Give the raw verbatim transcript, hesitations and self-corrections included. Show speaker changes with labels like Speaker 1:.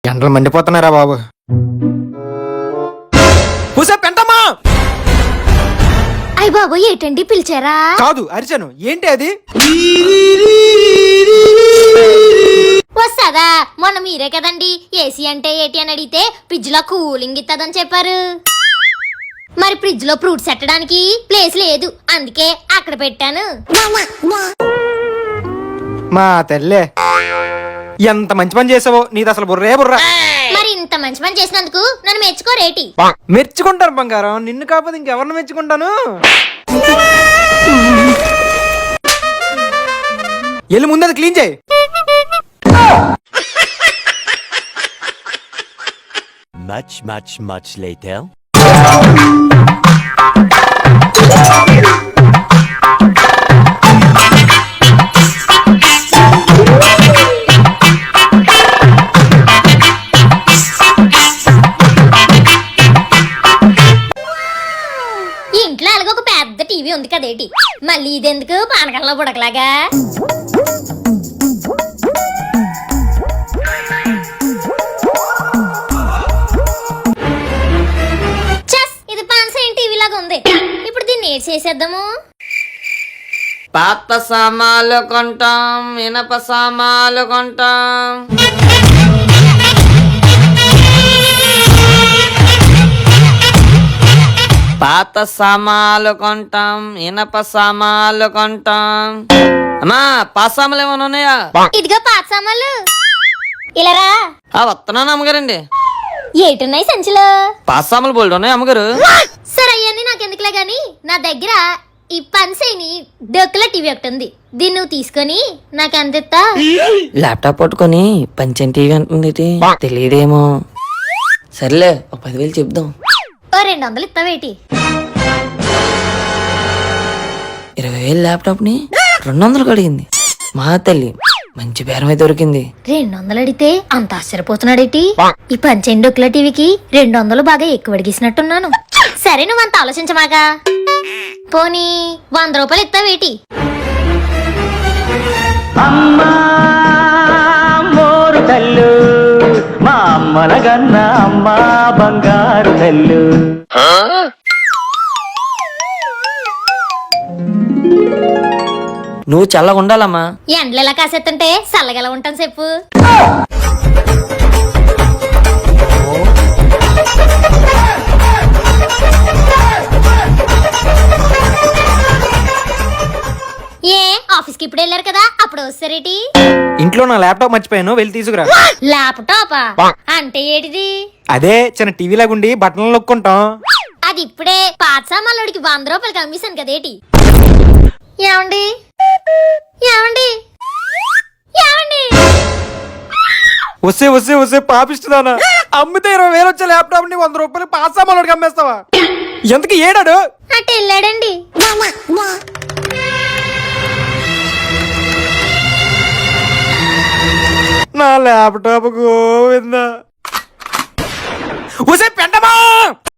Speaker 1: ఎండలు మండిపోతున్నారా బాబు. పూసే పెంటమ్మా.
Speaker 2: అయ్య బాబు ఏంటండి పిలిచారా?
Speaker 1: కాదు అరిచాను. ఏంటి అది?
Speaker 2: వస్తాదా? మొన్న మీరే కదండి ఏసీ అంటే ఏంటి అని అడిగితే ఫ్రిడ్జ్ లో కూలింగ్ ఇస్తుందని చెప్పారు. మరి ఫ్రిడ్జ్ లో ఫ్రూట్స్ పెట్టడానికి ప్లేస్ లేదు, అందుకే అక్కడ పెట్టాను.
Speaker 1: మా తల్లే, ఎంత మంచి పని చేసావో. నీది అసలు బుర్రే బుర్రా.
Speaker 2: మరి ఇంత మంచి పని చేసినందుకు నన్ను మెచ్చుకోరేటి?
Speaker 1: మెచ్చుకుంటాను బంగారం, నిన్ను కాకపోతే ఇంకెవరిని మెచ్చుకుంటాను. ఎల్లు ముందు అది క్లీన్ చేయి.
Speaker 3: Much, much, much later.
Speaker 2: ఇంట్లో అలాగ ఒక పెద్ద టీవీ ఉంది కదేటి, మళ్ళీ ఇదెందుకు పానకంలో బుడకలాగా? చస్, ఇది పాన్సైన్ టీవీ లాగా ఉంది. ఇప్పుడు దీన్ని ఏడ్ చేసేద్దాము.
Speaker 4: పాత సామాన్లు కొంటాం, ఇనప సామాన్లు కొంటాం. పాత సామాన్లు కొంటాం, ఇనప సామాన్లు కొంటాం. అమ్మా పాత సామాన్లు ఏమైనా ఉన్నాయా?
Speaker 2: ఇదిగో పాత సామాన్లు, ఇలారా.
Speaker 4: ఆ వస్తున్నాను అమ్మగారండి.
Speaker 2: ఏటున్నాయి సంచిలో?
Speaker 4: పాత సామాన్లు బోల్డ్ ఉన్నాయి అమ్మగారు.
Speaker 2: సరే అయ్యని నాకెందుకులే గాని, నా దగ్గర ఈ పన్సైని డొక్కుల టీవీ ఒకటి ఉంది. దీన్ని నువ్వు తీసుకొని నాకు అందిస్తా.
Speaker 4: ల్యాప్టాప్ పట్టుకొని పంచం టీవీ అంటుంది, తెలియదేమో. సర్లే ఒక పదివేలు చెప్దాం.
Speaker 2: ఓ రెండు వందలు ఇస్తావేటి?
Speaker 4: ఇరవై వేలు ల్యాప్టాప్ ని రెండు వందలకు అడిగింది. మా తల్లి మంచి బేరమే దొరికింది.
Speaker 2: రెండు వందలు అడిగితే అంత ఆశ్చర్యపోతున్నాడేటి? ఈ పంచైన్ డొక్కుల టీవీకి రెండు వందలు బాగా ఎక్కువ అడిగేసినట్టున్నాను. సరే నువ్వు అంత ఆలోచించమాగా, పోనీ వంద రూపాయలు ఇస్తావేటి?
Speaker 5: అమ్మా మోరు తల్లు, మా అమ్మల గన్న అమ్మ బంగారు తల్లు.
Speaker 4: నువ్వు చల్లగా ఉండాలమ్మా.
Speaker 2: ఎండలు ఎలా కాసేస్తుంటే చల్లగా ఎలా ఉంటాను చెప్పు. ఏ ఆఫీస్ కి ఇప్పుడు వెళ్ళారు కదా, అప్పుడు వస్తారేటి?
Speaker 1: ఇంట్లో నా ల్యాప్టాప్ మర్చిపోయాను, వెళ్ళి తీసుకురా.
Speaker 2: ల్యాప్టాపా అంటే ఏటిది?
Speaker 1: అదే చిన్న టీవీ లాగుండి బట్టలు నొక్కుంటాం.
Speaker 2: అది ఇప్పుడే పాత సామాన్లోడికి వంద రూపాయలకి అమ్మేశాను కదేటి? ఏమండి ఏమండి ఏమండి?
Speaker 1: వస్తే వస్తే వస్తే పాపిస్తుందానా. అమ్మితే ఇరవై వేలు వచ్చే ల్యాప్టాప్ ని వంద రూపాయలు పాస్ సామాన్లు అమ్మేస్తావా? ఎందుకు ఏడాడు?
Speaker 2: అటు వెళ్ళాడండి.
Speaker 1: నా ల్యాప్టాప్ గోవిందా. వస్తే పెంటమా.